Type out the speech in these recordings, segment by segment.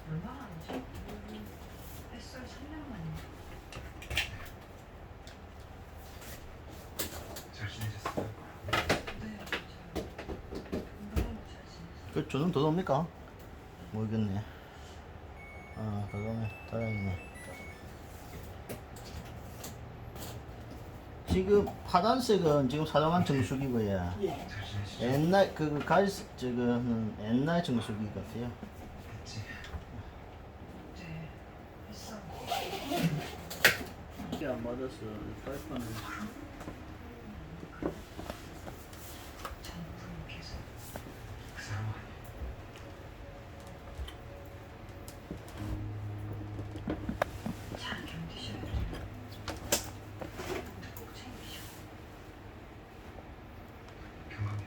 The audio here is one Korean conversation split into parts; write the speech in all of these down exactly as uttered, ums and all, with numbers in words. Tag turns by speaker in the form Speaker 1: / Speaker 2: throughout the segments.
Speaker 1: 얼마나 하지? 햇살 삼 년 만인가?
Speaker 2: 잘 지내셨어요?
Speaker 1: 네, 잘. 너무 잘 지냈어요.
Speaker 3: 그 저는 더 옵니까? 모르겠네. 아, 더 오네. 다행이네. 지금 파란색은 지금 사용한 정수기고요.
Speaker 2: 잘 지내시죠?
Speaker 3: 옛날 그 갈색 저거는 옛날 정수기 같아요.
Speaker 2: 그치?
Speaker 1: 네, 햇살.
Speaker 3: 이게 안 맞았어. 파이프는.
Speaker 1: 장군께서
Speaker 2: 그 사람 아니에요.
Speaker 1: 잘 견디셔야 돼요. 근데 꼭 챙기셔.
Speaker 2: 경감이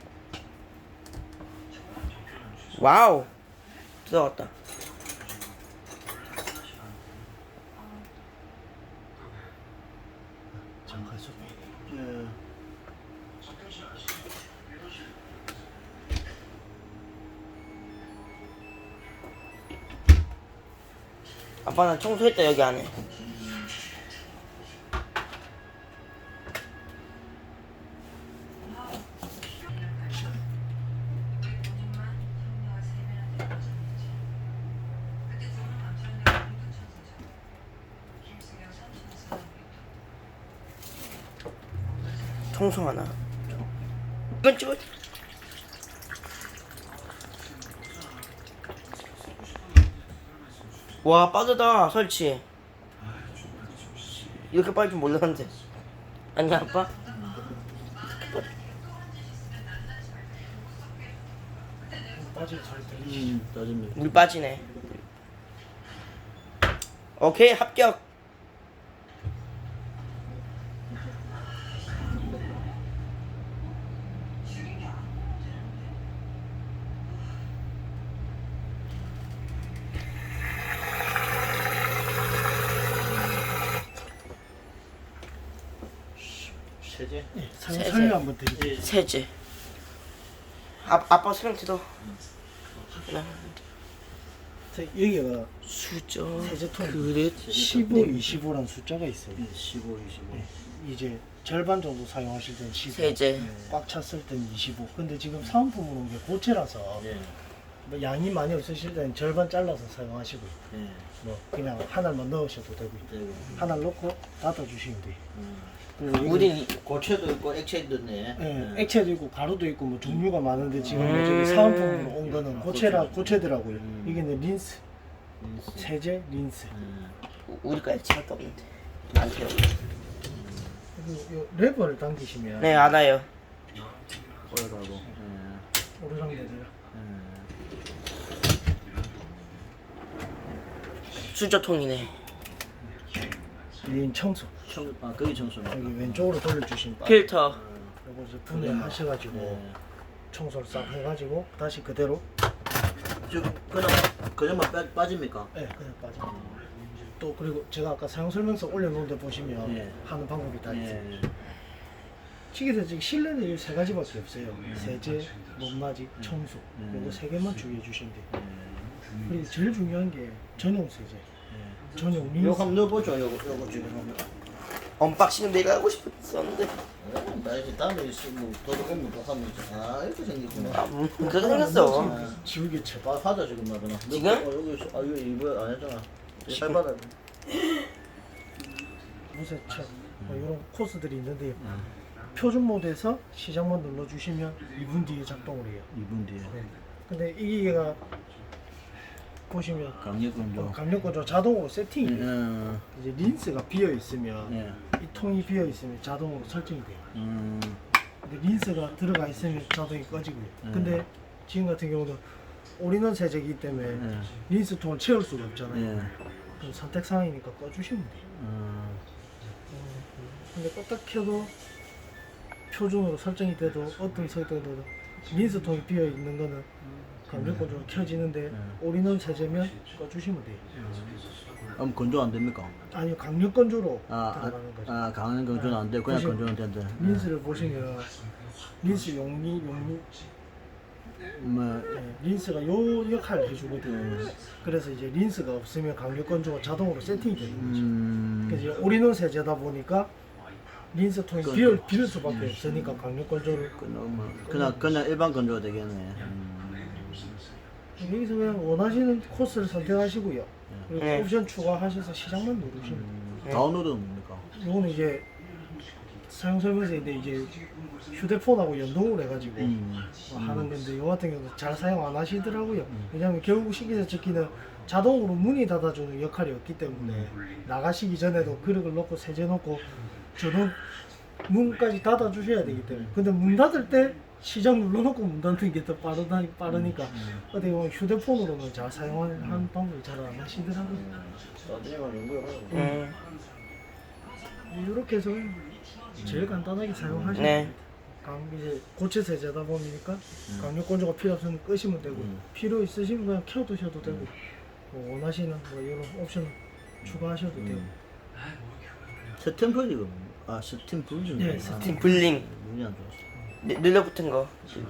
Speaker 1: 저랑
Speaker 4: 와우 들어갔다.
Speaker 3: 잠깐 속. 예.
Speaker 4: 아빠 나 청소했다 여기 안에.
Speaker 1: 우리 본인만 형녀와 세 배나 내려졌는지. 그때 저는 남편이랑 공동 천사죠. 김승영 삼촌 사람이었다.
Speaker 4: 청소 하나. 이건 찍어. 와 빠르다 설치. 이렇게 빨리 줄 몰랐는데. 아니야 아빠?
Speaker 3: 음, 따집니다.
Speaker 4: 물 빠지네. 오케이 합격.
Speaker 3: 세제?
Speaker 5: 예, 설-
Speaker 4: 세제.
Speaker 5: 설명 한번 드릴게요.
Speaker 4: 세제. 아 아빠 설명 들어.
Speaker 5: 자, 여기가
Speaker 4: 수저.
Speaker 5: 세제통
Speaker 4: 그릇.
Speaker 5: 십오, 이십오라는 숫자가 있어요.
Speaker 3: 십오, 이십오.
Speaker 5: 이제 절반 정도 사용하실 때는 십오,
Speaker 4: 세제.
Speaker 5: 꽉 찼을 때는 이십오. 근데 지금 사은품으로 온 게 고체라서
Speaker 3: 예.
Speaker 5: 뭐 양이 많이 없으실 때는 절반 잘라서 사용하시고요.
Speaker 3: 예.
Speaker 5: 뭐 그냥 하나만 넣으셔도 되고요.
Speaker 3: 되고.
Speaker 5: 하나 넣고 닫아주시면 돼요.
Speaker 3: 음.
Speaker 5: 그리고 여기
Speaker 4: 우린
Speaker 3: 고체도 있고 액체도 있네.
Speaker 5: 예, 액체도 있고 가루도 있고 뭐 종류가 많은데 지금
Speaker 4: 음.
Speaker 5: 저기 사은품으로 온 거는 고체라 고체더라고요.
Speaker 3: 음.
Speaker 5: 이게 이제 린스,
Speaker 3: 음.
Speaker 5: 세제, 린스.
Speaker 3: 음.
Speaker 4: 우리가 액체밖에 없는데. 안 돼요.
Speaker 5: 그리고 요 레버를 당기시면
Speaker 4: 네 알아요.
Speaker 3: 오래가고. 예.
Speaker 5: 오르락내리락.
Speaker 3: 예.
Speaker 4: 수저통이네.
Speaker 5: 메인 청소.
Speaker 3: 청, 아, 거기 청소만.
Speaker 5: 여기 왼쪽으로 돌려주시면 빠-
Speaker 4: 필터.
Speaker 5: 요거 이제 분해하셔가지고
Speaker 3: 예.
Speaker 5: 청소를 싹 해가지고 다시 그대로
Speaker 3: 지금 그냥 그냥만 빠, 빠집니까?
Speaker 5: 예 그냥 빠져. 또 그리고 제가 아까 사용 설명서 올려놓은 데 보시면
Speaker 3: 예.
Speaker 5: 하는 방법이 다 있어요.
Speaker 3: 예.
Speaker 5: 찌개에서 지금 실내는 이 세 가지밖에 없어요. 세제, 못맞이, 청소.
Speaker 3: 음.
Speaker 5: 요거 세 개만 주의해 주시면 돼요.
Speaker 3: 예.
Speaker 5: 그리고 제일 중요한 게 전용 세제,
Speaker 3: 예.
Speaker 5: 전용
Speaker 3: 요거
Speaker 5: 린스.
Speaker 3: 한번 넣어보죠. 요거 요거 지금 한번.
Speaker 4: 언박싱은 내가 하고 싶었었는데.
Speaker 3: 예, 나 이제 다음에 뭐 도둑오면 또 하면 이제 아 이렇게 생겼구나.
Speaker 4: 아, 음, 그렇게 생겼어.
Speaker 5: 지금 지우개 쳐.
Speaker 3: 아, 하자 지금 말이나.
Speaker 4: 지금?
Speaker 3: 어, 여기 있어. 아 이거 이거 안 했잖아. 살 받아.
Speaker 5: 무쇠차 뭐 이런 코스들이 있는데요. 표준 모드에서 시작만 눌러주시면 이 분 뒤에 작동을 해요.
Speaker 3: 이 분 뒤에.
Speaker 5: 네. 근데 이 기계가 보시면
Speaker 3: 강력건조.
Speaker 5: 어, 강력건조 자동으로 세팅이 돼요.
Speaker 3: 음.
Speaker 5: 이제 린스가 비어 있으면
Speaker 3: 예.
Speaker 5: 이 통이 비어 있으면 자동으로 설정이 돼요.
Speaker 3: 음.
Speaker 5: 근데 린스가 들어가 있으면 자동이 꺼지고요.
Speaker 3: 음.
Speaker 5: 근데 지금 같은 경우는 올인원 세제이기 때문에
Speaker 3: 예.
Speaker 5: 린스 통을 채울 수가 없잖아요.
Speaker 3: 예.
Speaker 5: 그럼 선택 사항이니까 꺼주시면 돼요.
Speaker 3: 음.
Speaker 5: 근데 껐다 켜도 표준으로 설정이 돼도 어떤 설정돼도 린스 통이 비어 있는 거는 강력건조가 켜지는데
Speaker 3: 음.
Speaker 5: 올인원 세제면 꺼주시면 돼요.
Speaker 3: 그럼 건조 안 됩니까?
Speaker 5: 아니요, 강력건조로
Speaker 3: 아,
Speaker 5: 들어가는 거죠.
Speaker 3: 아, 아 강한 건조는 안 돼. 그냥
Speaker 5: 보시면
Speaker 3: 건조는 된다.
Speaker 5: 린스를 보시면 린스 용리 용리
Speaker 3: 뭐
Speaker 5: 예, 린스가 요 역할을 해주거든요. 그래서 이제 린스가 없으면 강력 건조가 자동으로 세팅이 되는 거죠.
Speaker 3: 음.
Speaker 5: 그래서 이제 올인원 세제다 보니까 린스 통이 비울, 비울 수밖에 없으니까 강력 건조를
Speaker 3: 그냥 그냥 그냥 일반 건조가 되겠네. 음.
Speaker 5: 여기서 그냥 원하시는 코스를 선택하시고요. 그리고
Speaker 4: 네.
Speaker 5: 옵션 추가하셔서 시작만 누르시면 돼요.
Speaker 3: 음. 다운로드는 뭡니까?
Speaker 5: 요거는 이제 사용 설명서인데 이제 휴대폰하고 연동을 해가지고
Speaker 3: 음.
Speaker 5: 뭐 하는 건데 요 같은 경우는 잘 사용 안 하시더라고요. 왜냐하면 결국 식기세 척기는 자동으로 문이 닫아주는 역할이 없기 때문에 나가시기 전에도 그릇을 넣고 세제 넣고 저도 문까지 닫아주셔야 되기 때문에 근데 문 닫을 때 시작 눌러놓고 문 닫는 게 더 빠르다, 빠르니까 어떻게 보면 휴대폰으로는 잘 사용하는 방법을 잘 안 하시더라고요.
Speaker 3: 나중에 연구해봐요.
Speaker 4: 음.
Speaker 5: 이렇게 해서 제일 간단하게 사용하시면
Speaker 4: 네.
Speaker 5: 됩니다. 강 이제 고체 세제다 보니까 강력 건조가 필요 없으면 끄시면 되고
Speaker 3: 음.
Speaker 5: 필요 있으시면 그냥 켜두셔도 되고 뭐 원하시는 뭐 이런 옵션 추가하셔도 되고.
Speaker 3: 스탬플 이거 아 스탬플
Speaker 5: 네, 스탬.
Speaker 4: 블링
Speaker 3: 눈이 안 좋았어.
Speaker 4: 네, 눌러붙은 거.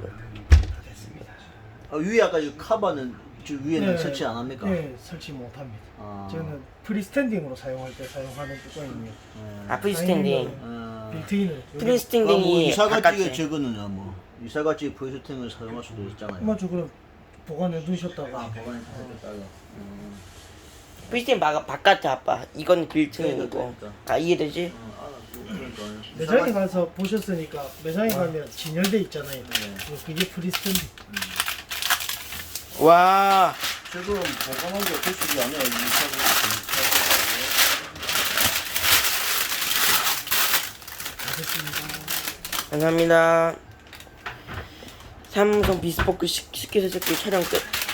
Speaker 3: 아 위에 아까 이 카바는 저 위에는
Speaker 5: 네,
Speaker 3: 설치 안 합니까?
Speaker 5: 네, 설치 못합니다.
Speaker 3: 아.
Speaker 5: 저는 프리스탠딩으로 사용할 때 사용하는 뚜껑이고요.
Speaker 3: 네.
Speaker 4: 아 프리스탠딩.
Speaker 3: 아.
Speaker 5: 빌트인을 여기-
Speaker 3: 아, 뭐
Speaker 4: 프리스탠딩이
Speaker 3: 이사가찌개
Speaker 4: 바깥에.
Speaker 3: 저거는요 뭐 이사가찌개 프리스탠딩을 사용할 수도 있잖아요.
Speaker 5: 맞죠, 그럼 보관해 두셨다가
Speaker 3: 보관해 두셨다가. 음.
Speaker 4: 프리스탠딩 바, 바깥에 아빠. 이건 빌트인이고.
Speaker 3: 그러니까.
Speaker 4: 아 이해되지?
Speaker 3: 어, 알았어. 그러니까.
Speaker 5: 매장에 가서 보셨으니까 매장에 가면 진열돼 있잖아요.
Speaker 3: 네.
Speaker 5: 그게 프리스탠딩.
Speaker 4: 와.
Speaker 3: 지금 보관한 게 도식이 아니야. 이사가찌개.
Speaker 4: 감사합니다. 삼성 비스포크 식- 식기세척기 촬영 끝.